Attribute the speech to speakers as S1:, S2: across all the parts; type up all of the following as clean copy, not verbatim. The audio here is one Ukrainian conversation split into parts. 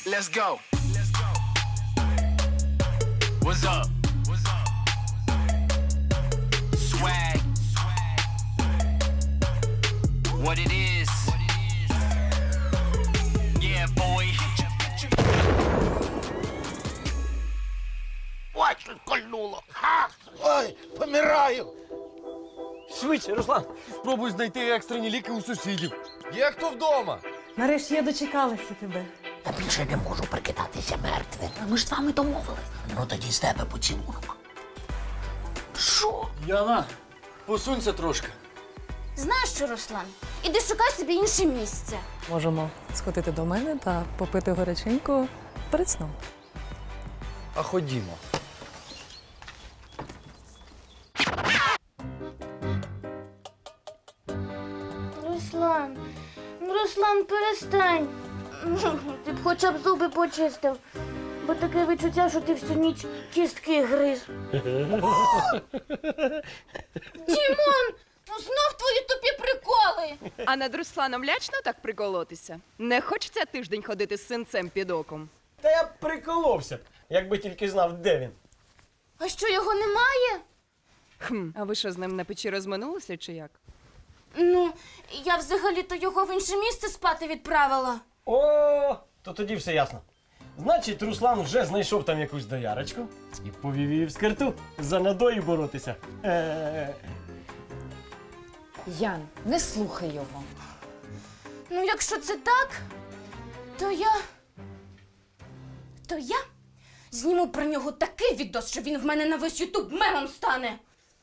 S1: Let's go. What's up? Swag. What it is. Yeah, boy.
S2: Ой, щось кольнуло. Ой, помираю.
S3: Швидше, Руслан, спробуй знайти екстрені ліки у сусідів. Є хто вдома?
S4: Нарешті я дочекалася тебе.
S2: Я більше не можу прикидатися мертвим. Ми ж з вами домовились. Ну тоді з тебе поцілунок. Що?
S3: Яна, посунься трошки.
S5: Знаєш що, Руслан? Іди шукай собі інше місце.
S4: Можемо сходити до мене та попити горяченько перед сном.
S3: А ходімо.
S5: Руслан, перестань. Ти б хоча б зуби почистив, бо таке відчуття, що ти всю ніч кістки гриз. Дімон, ну знов твої тупі приколи.
S6: А над Русланом лячно так приколотися? Не хочеться тиждень ходити з синцем під оком?
S3: Та я б приколовся, якби тільки знав, де він.
S5: А що, його немає?
S6: А ви що, з ним на печі розминулися чи як?
S5: Ну, я взагалі-то його в інше місце спати відправила.
S3: О, то тоді все ясно. Значить, Руслан вже знайшов там якусь доярочку і повів її в скирту за надої боротися.
S7: Ян, не слухай його.
S5: Ну, якщо це так, то я зніму про нього такий відос, що він в мене на весь Ютуб мемом стане.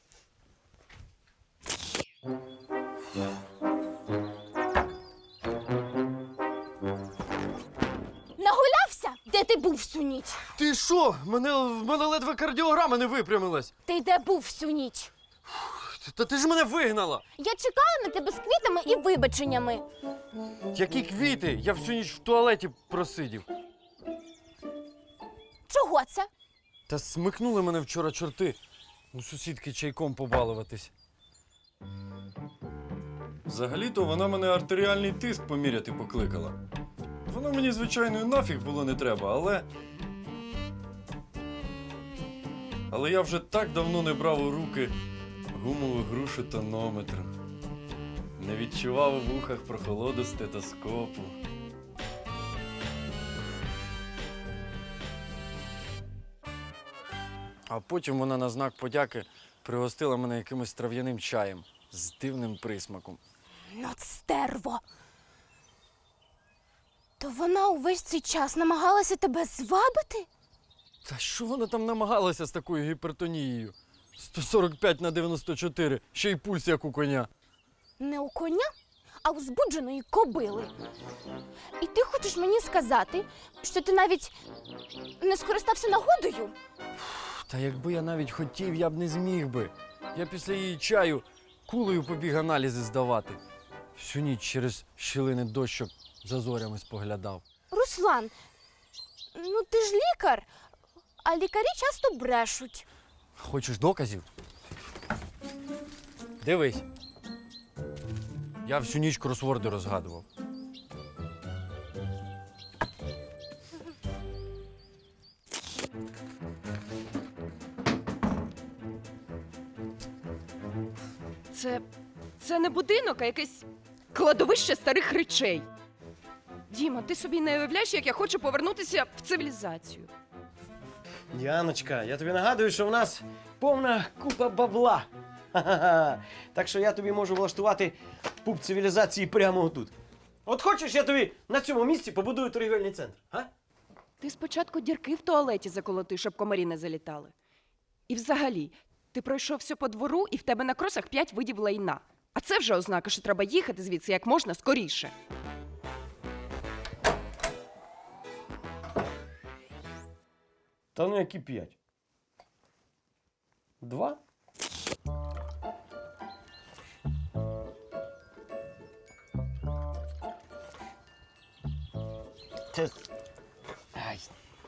S5: Нагулявся? Де ти був всю ніч?
S3: Ти що? В мене ледве кардіограма не випрямилась.
S5: Ти де був всю ніч?
S3: Та ти ж мене вигнала.
S5: Я чекала на тебе з квітами і вибаченнями.
S3: Які квіти? Я всю ніч в туалеті просидів.
S5: Чого це?
S3: Та смикнули мене вчора чорти. У сусідки чайком побалуватись.
S8: Взагалі-то вона мене артеріальний тиск поміряти покликала. Воно мені, звичайно, і нафіг було не треба, але я вже так давно не брав у руки гумову грушу тонометр. Не відчував у вухах прохолоду стетоскопу.
S3: А потім вона на знак подяки пригостила мене якимось трав'яним чаєм з дивним присмаком.
S5: От стерво. То вона увесь цей час намагалася тебе звабити?
S3: Та що вона там намагалася з такою гіпертонією? 145/94, ще й пульс як у коня.
S5: Не у коня, а у збудженої кобили. І ти хочеш мені сказати, що ти навіть не скористався нагодою?
S3: Та якби я навіть хотів, я б не зміг би. Я після її чаю кулею побіг аналізи здавати. Всю ніч через щілини дощок за зорями споглядав.
S5: Руслан, ну ти ж лікар, а лікарі часто брешуть.
S3: Хочеш доказів? Дивись. Я всю ніч кросворди розгадував.
S6: Це не будинок, а якесь кладовище старих речей. Діма, ти собі не уявляєш, як я хочу повернутися в цивілізацію.
S9: Діаночка, я тобі нагадую, що в нас повна купа бабла. Ха-ха-ха. Так що я тобі можу влаштувати пуп цивілізації прямо отут. От хочеш, я тобі на цьому місці побудую торгівельний центр, а?
S6: Ти спочатку дірки в туалеті заколоти, щоб комарі не залітали. І взагалі, ти пройшовся по двору, і в тебе на кросах 5 видів лайна. А це вже ознака, що треба їхати звідси як можна скоріше.
S9: Та ну які 5? 2? Це... Ай.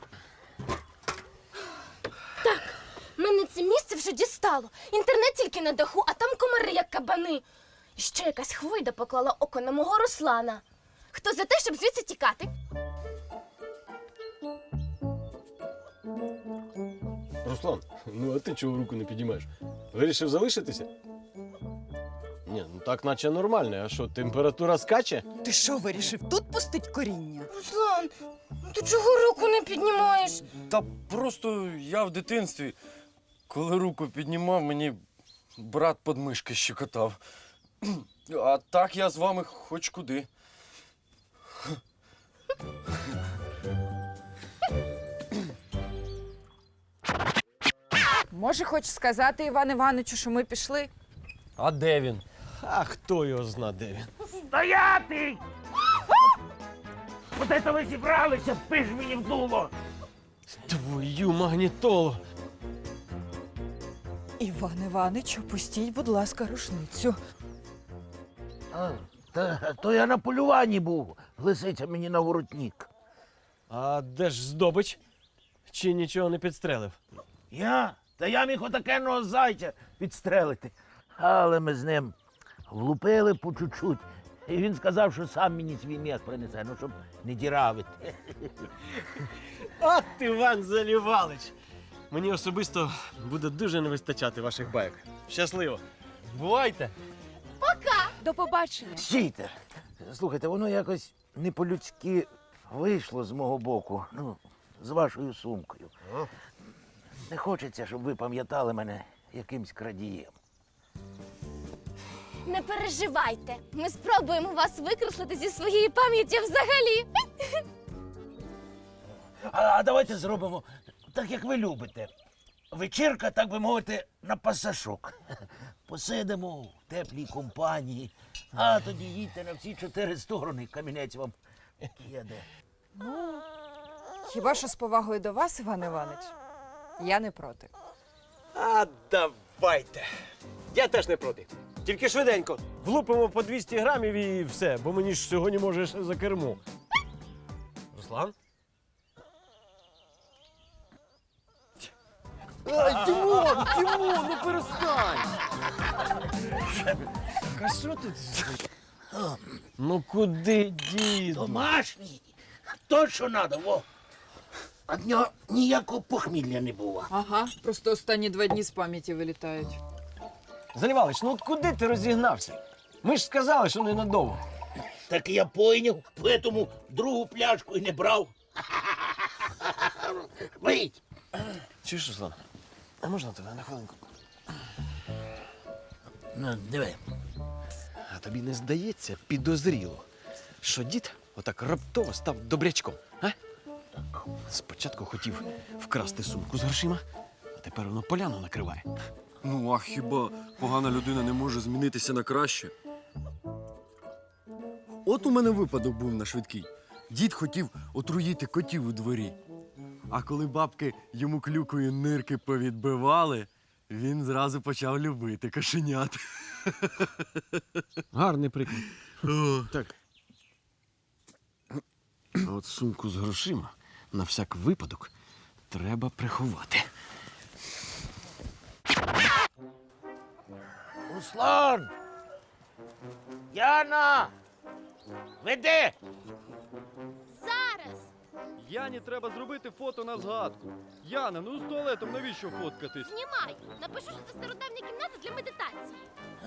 S5: Мене це місце вже дістало. Інтернет тільки на даху, а там комари, як кабани. І ще якась хвойда поклала око на мого Руслана. Хто за те, щоб звідси тікати?
S9: Руслан, ну а ти чого руку не підіймаєш? Вирішив залишитися? Ні, ну так наче нормально. А що, температура скаче?
S10: Ти що, вирішив тут пустить коріння?
S5: Руслан, ти чого руку не піднімаєш?
S3: Та просто я в дитинстві, коли руку піднімав, мені брат подмишки щекотав. А так я з вами хоч куди.
S7: Може, хочеш сказати, Іван Івановичу, що ми пішли?
S3: А де він?
S9: А хто його зна, де він?
S2: Стояти! От це ви зібралися, пиш мені в дуло!
S9: Твою магнітолу!
S10: Іван Іванич, опустіть, будь ласка, рушницю.
S2: То я на полюванні був. Лисиця мені на воротник.
S9: А де ж здобич? Чи нічого не підстрелив?
S2: Я? Та я міг отакенного зайця підстрелити. Але ми з ним влупили по чуть-чуть. І він сказав, що сам мені свій м'як принесе, ну щоб не діравити.
S9: От Іван Залівалич! Мені особисто буде дуже не вистачати ваших байок. Щасливо!
S3: Бувайте!
S6: До побачення.
S2: Стійте. Слухайте, воно якось не по-людськи вийшло з мого боку. Ну, з вашою сумкою. Не хочеться, щоб ви пам'ятали мене якимсь крадієм.
S5: Не переживайте. Ми спробуємо вас викреслити зі своєї пам'яті взагалі.
S2: А давайте зробимо так, як ви любите. Вечірка, так би мовити, на пасашок. Посидимо в теплій компанії, а тоді їдьте на всі 4 сторони, камінець вам їде.
S7: Хіба що з повагою до вас, Іван Іванович? Я не проти.
S9: А давайте! Я теж не проти. Тільки швиденько. Влупимо по 200 грамів і все, бо мені ж сьогодні може ще за кермо. Руслан?
S3: Ай, Дімон, ну перестань!
S9: А що тут? Ну куди, діду?
S2: Домашній, то, що треба, во. Від нього ніякого похмілля не було.
S7: Ага, просто останні 2 дні з пам'яті вилітають.
S9: Залівалич, ну от куди ти розігнався? Ми ж сказали, що ненадовго.
S2: Так я пойняв, тому другу пляшку і не брав. Вийдь.
S9: Чуєш, Руслан? А можна тебе на хвилинку?
S2: Ну, диви.
S9: А тобі не здається підозріло, що дід отак раптово став добрячком, а? Спочатку хотів вкрасти сумку з грошима, а тепер воно поляну накриває.
S3: Ну, а хіба погана людина не може змінитися на краще? От у мене випадок був на швидкий. Дід хотів отруїти котів у дворі. А коли бабки йому клюкою нирки повідбивали, він зразу почав любити кошенят.
S9: Гарний приклад. Так. А от сумку з грошима на всяк випадок треба приховати.
S2: Руслан! Яна! Веди!
S5: Зараз.
S3: Яні треба зробити фото на згадку. Яна, ну з туалетом навіщо фоткатись?
S5: Знімай. Напишу, що це стародавня кімната для медитації.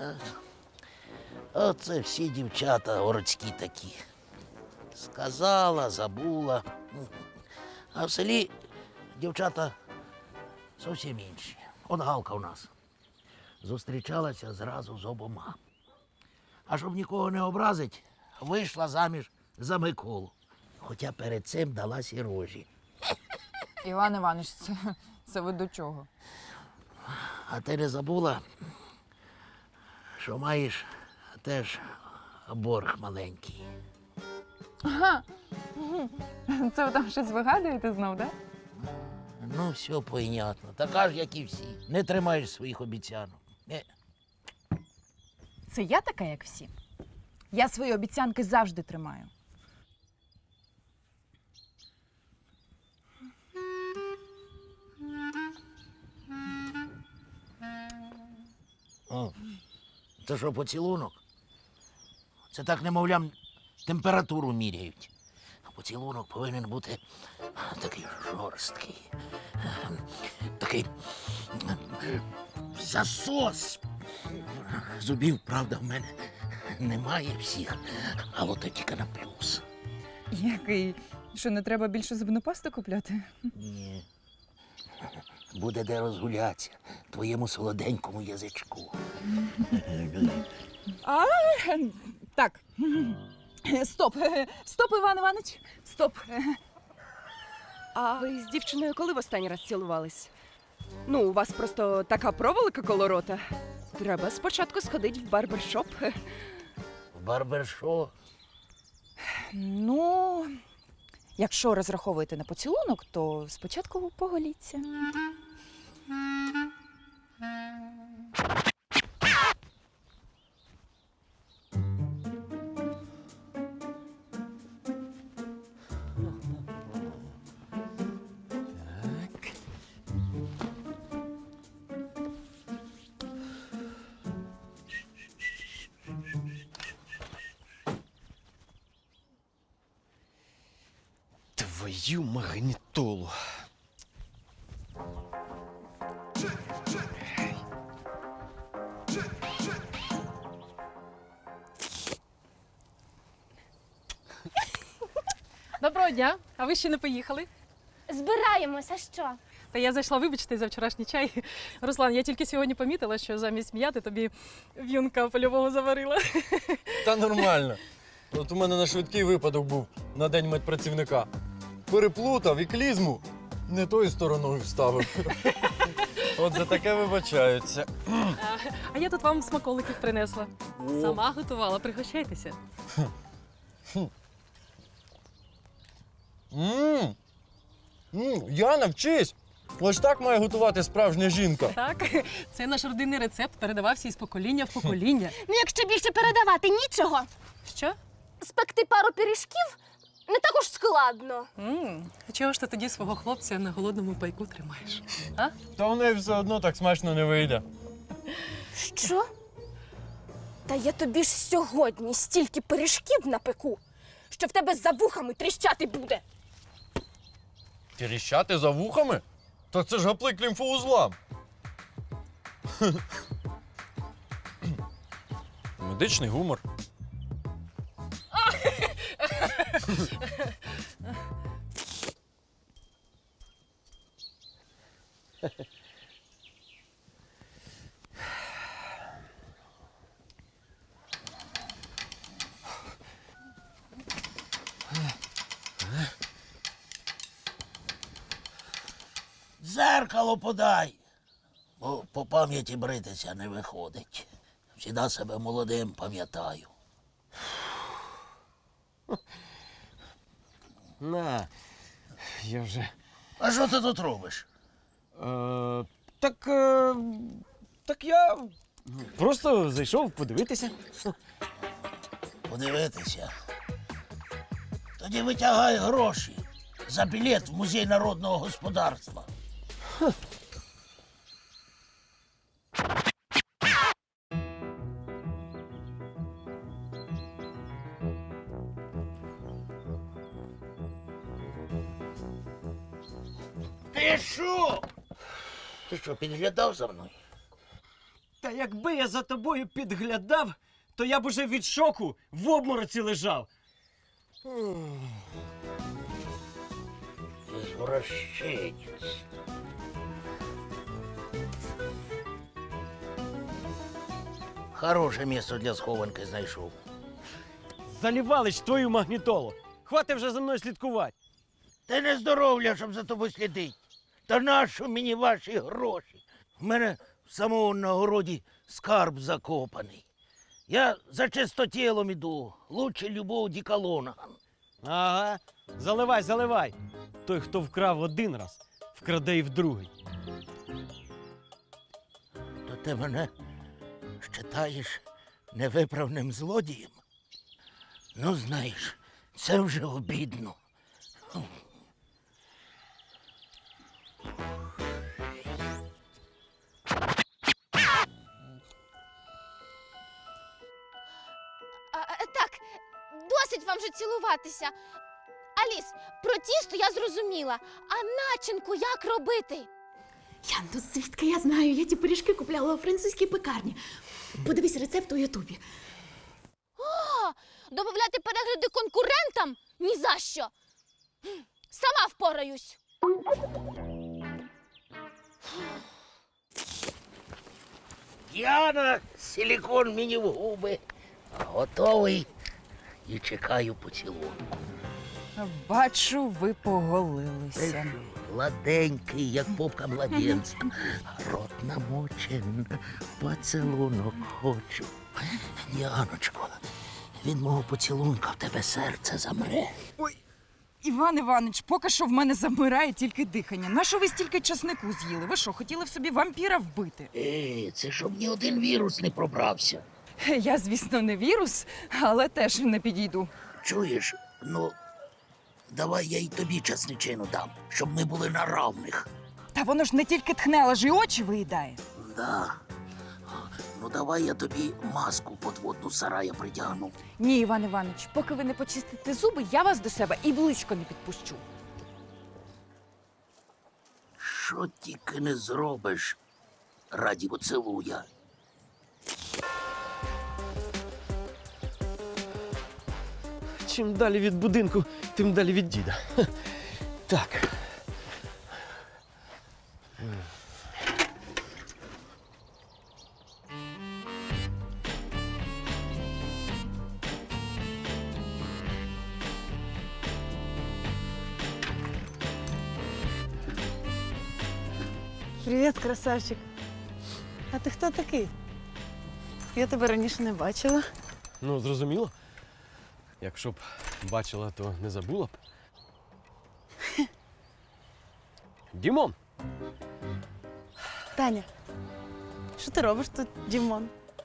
S2: Оце всі дівчата городські такі. Сказала, забула. А в селі дівчата зовсім інші. От Галка у нас. Зустрічалася зразу з обома. А щоб нікого не образить, вийшла заміж за Миколу. Хоча перед цим дала сірожі.
S7: Іван Іванович, це ви до чого?
S2: А ти не забула, що маєш теж борг маленький.
S7: Це ви там щось вигадуєте знов, так?
S2: Ну, все понятно. Така ж, як і всі. Не тримаєш своїх обіцянок.
S7: Це я така, як всі. Я свої обіцянки завжди тримаю.
S2: О, це що, поцілунок? Це так, немовлям, температуру міряють. поцілунок повинен бути такий жорсткий. Такий засос. Зубів, правда, в мене немає всіх, а от тільки на плюс.
S10: Який? Що, не треба більше зубну пасту купляти?
S2: Ні. Буде де розгулятися твоєму солоденькому язичку.
S10: Так. Стоп. Стоп, Іван Іванович. Стоп.
S6: А ви з дівчиною коли в останній раз цілувались? Ну, у вас просто така проволока коло рота. Треба спочатку сходити в барбершоп.
S2: В барбершоп.
S10: Ну, якщо розраховуєте на поцілунок, то спочатку поголіться.
S9: Твою магнітолу.
S4: Доброго дня, а ви ще не поїхали?
S5: Збираємося, що?
S4: Та я зайшла, вибачте, за вчорашній чай. Руслан, я тільки сьогодні помітила, що замість м'яти тобі в'юнка польового заварила.
S8: Та нормально. От у мене на швидкий випадок був на день медпрацівника. Переплутав і клізму не тою стороною вставив. От за таке вибачаються.
S4: А я тут вам смаколиків принесла. Сама готувала, пригощайтеся.
S8: Яна, вчись! Ось так має готувати справжня жінка.
S4: Так, це наш родинний рецепт, передавався із покоління в покоління.
S5: Ну, якщо більше передавати нічого,
S4: Що?
S5: спекти пару пиріжків не так уж складно.
S4: А чого ж ти тоді свого хлопця на голодному пайку тримаєш? А?
S8: Та в неї все одно так смачно не вийде.
S5: Що? Та я тобі ж сьогодні стільки пиріжків напеку, що в тебе за вухами тріщати буде.
S8: Тріщати за вухами? Та це ж гаплик лімфоузлам. Медичний гумор.
S2: Дзеркало подай, бо по пам'яті бритися не виходить. Всіда себе молодим пам'ятаю.
S9: На, я вже.
S2: А що ти тут робиш?
S9: Так я просто зайшов подивитися.
S2: Подивитися. Тоді витягай гроші за білет в музей народного господарства. Ти що? Ти що, підглядав за мною?
S9: Та якби я за тобою підглядав, то я б уже від шоку в обмороці лежав.
S2: Извращенец. Хороше місце для схованки знайшов.
S9: Залівалич твою магнітолу. Хвати вже за мною слідкувати.
S2: Ти не здоров'я, щоб за тобою слідить. Та нащо мені ваші гроші? В мене в самому на городі скарб закопаний. Я за чистотілом іду. Лучше любого діколона.
S9: Ага, заливай, заливай. Той, хто вкрав один раз, вкраде і вдругий.
S2: То ти мене вважаєш невиправним злодієм? Ну, знаєш, це вже обідно.
S5: Так, досить вам вже цілуватися. Аліс, про тісто я зрозуміла. А начинку як робити?
S11: Ян, ну звідки я знаю? Я ті пиріжки купляла у французькій пекарні. Подивись рецепт у Ютубі.
S5: О, добавляти перегляди конкурентам? Ні за що. Сама впораюсь.
S2: Діана, силікон мені в губи. Готовий і чекаю поцілунку.
S10: Бачу, ви поголилися.
S2: Гладенький, як попка младенця. Рот намочен, поцілунок хочу. Діаночко, від мого поцілунка в тебе серце замре.
S10: Ой, Іван Іванович, поки що в мене замирає тільки дихання. Нащо ви стільки часнику з'їли? Ви що, хотіли в собі вампіра вбити?
S2: Це щоб ні один вірус не пробрався.
S10: Я, звісно, не вірус, але теж не підійду.
S2: Чуєш, ну, давай я й тобі часничину дам, щоб ми були на равних.
S10: Та воно ж не тільки тхне, але ж і очі виїдає.
S2: Да. Ну давай я тобі маску подводну з сарая притягну.
S10: Ні, Іван Іванович, поки ви не почистите зуби, я вас до себе і близько не підпущу.
S2: Що тільки не зробиш раді поцілуя.
S9: Чим далі від будинку, тим далі від діда. Ха. Так.
S11: Привіт, красавчик. А ти хто такий? Я тебе раніше не бачила.
S9: Ну, зрозуміло. Якщо б бачила, то не забула б. Дімон!
S11: Таня, що ти робиш тут, Дімон?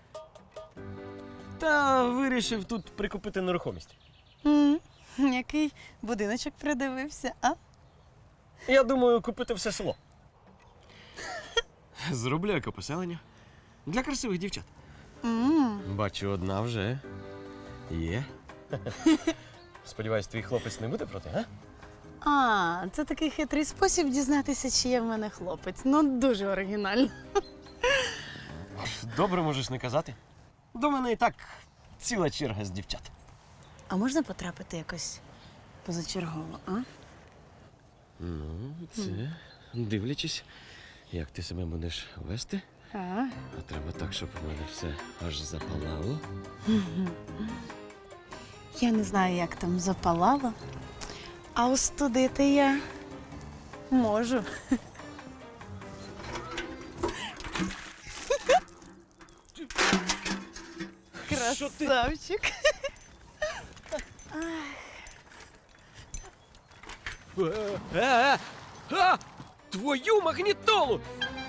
S9: Та вирішив тут прикупити нерухомість.
S11: Який будиночок придивився, а?
S9: Я думаю, купити все село. Зроблю екопоселення. Для красивих дівчат. Бачу, одна вже є. Сподіваюсь, твій хлопець не буде проти, а?
S11: А, це такий хитрий спосіб дізнатися, чи є в мене хлопець. Ну, дуже оригінально.
S9: Добре, можеш не казати. До мене і так ціла черга з дівчат.
S11: А можна потрапити якось позачергово, а?
S9: Ну, це дивлячись, як ти себе будеш вести.
S11: А?
S9: А треба так, щоб у мене все аж запалало.
S11: Я не знаю, як там запалало, а остудити я можу. Красавчик.
S9: Твою магнітолу!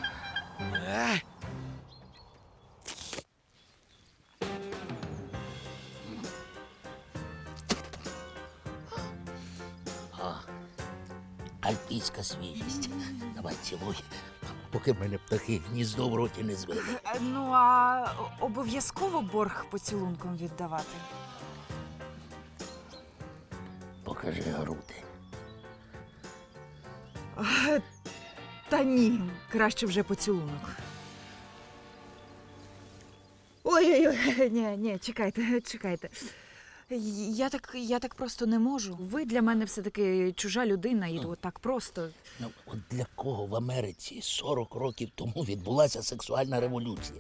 S2: Альпійська свіжість. Давай цілуй, поки в мене птахи гніздо в роті не звели.
S10: Ну, а обов'язково борг поцілунком віддавати?
S2: Покажи груди.
S10: Та ні, краще вже поцілунок. Ой-ой-ой, ні, чекайте. Я так просто не можу. Ви для мене все-таки чужа людина, і от так просто.
S2: Ну, от для кого в Америці 40 років тому відбулася сексуальна революція?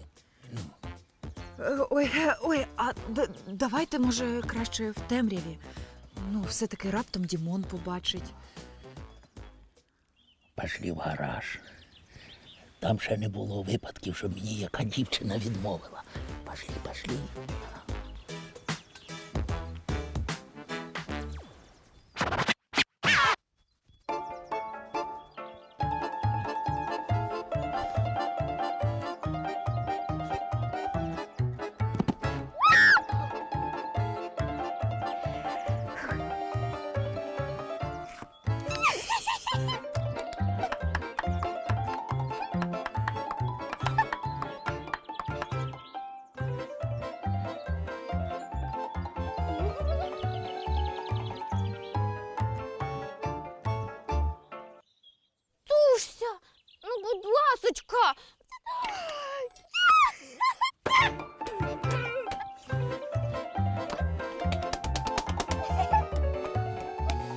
S10: Ой, а давайте, може, краще в темряві. Ну, все-таки раптом Дімон побачить.
S2: Пошли в гараж. Там ще не було випадків, щоб мені яка дівчина відмовила. Пошли.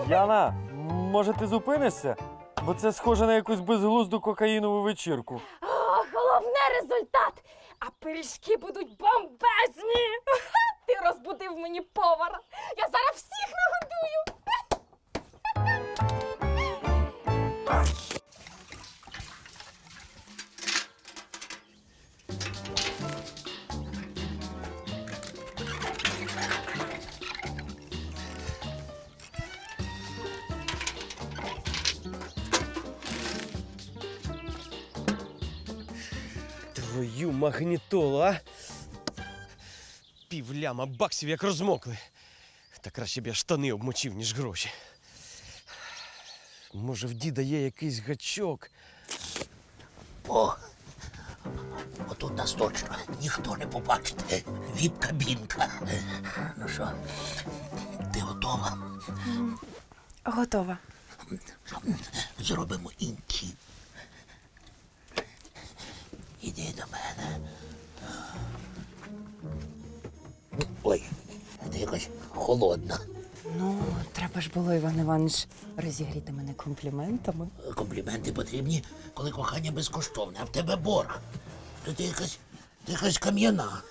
S8: Яна, може ти зупинишся? Бо це схоже на якусь безглузду кокаїнову вечірку.
S5: О, головне результат! А пиріжки будуть бомбезні! Ти розбудив мені повара! Я зараз всіх нагодую!
S9: Твою магнітолу, а? Півляма баксів як розмокли. Та краще б я штани обмочив, ніж гроші. Може, в діда є якийсь гачок?
S2: О, отут нас точно ніхто не побачить. Віп-кабінка. Ну що, ти готова?
S7: Готова.
S2: Зробимо інтим. Іди до мене. Ой, ти якась холодна.
S6: Ну, треба ж було, Іван Іванович, розігріти мене компліментами.
S2: Компліменти потрібні, коли кохання безкоштовне, а в тебе борг. То ти якась кам'яна.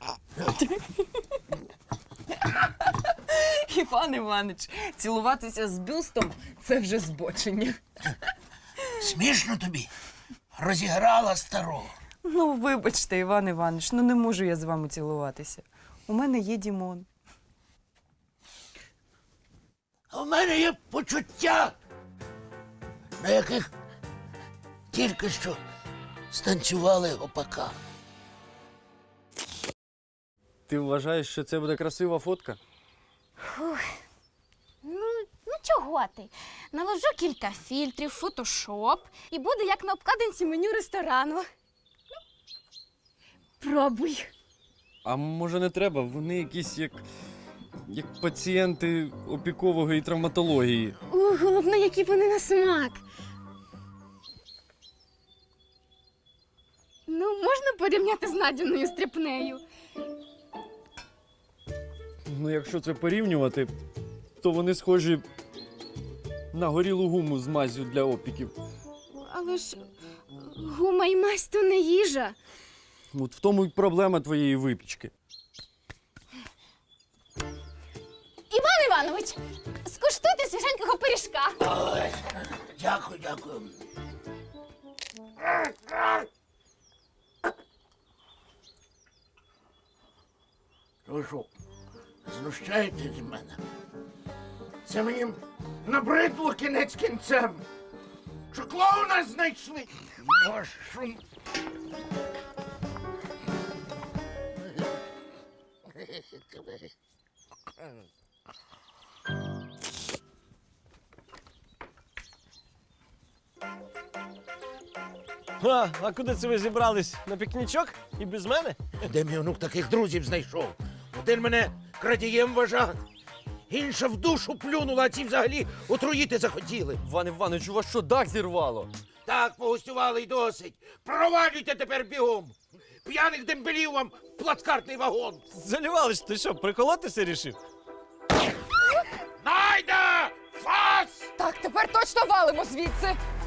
S6: Іван Іванович, цілуватися з бюстом – це вже збочення.
S2: Смішно тобі? Розіграла старого.
S6: Ну, вибачте, Іван Іванович, ну не можу я з вами цілуватися. У мене є Дімон.
S2: А в мене є почуття, на яких тільки що станцювали гопака.
S8: Ти вважаєш, що це буде красива фотка?
S5: Ну чого ти? Наложу кілька фільтрів, фотошоп і буде як на обкладинці меню ресторану. Пробуй.
S8: А може не треба? Вони якісь як пацієнти опікової травматології.
S5: Головне, які вони на смак. Ну, можна порівняти з Надіною стріпнею?
S8: Ну, якщо це порівнювати, то вони схожі на горілу гуму з маззю для опіків.
S5: Але ж гума і мазь то не їжа.
S8: От в тому й проблема твоєї випічки.
S5: Іван Іванович, скуштуйте свіженького пиріжка.
S2: Ой, дякую, дякую. Ви що, знущаєтесь з мене? Це мені набридло кінець кінцем. Що клоуна знайшли? Вашу...
S9: А куди це ви зібрались? На пікнічок? І без мене?
S2: Де мій онук таких друзів знайшов? Один мене крадієм вважав, інша в душу плюнула, а ці взагалі отруїти захотіли.
S8: Іван Іванович, у вас що, дах зірвало?
S2: Так, погостювали й досить. Провалюйте тепер бігом. П'яних дембелів вам в плацкартний вагон.
S9: Залівалич, ти що, приколотися рішив?
S2: Найда! Фас!
S6: Так, тепер точно валимо звідси.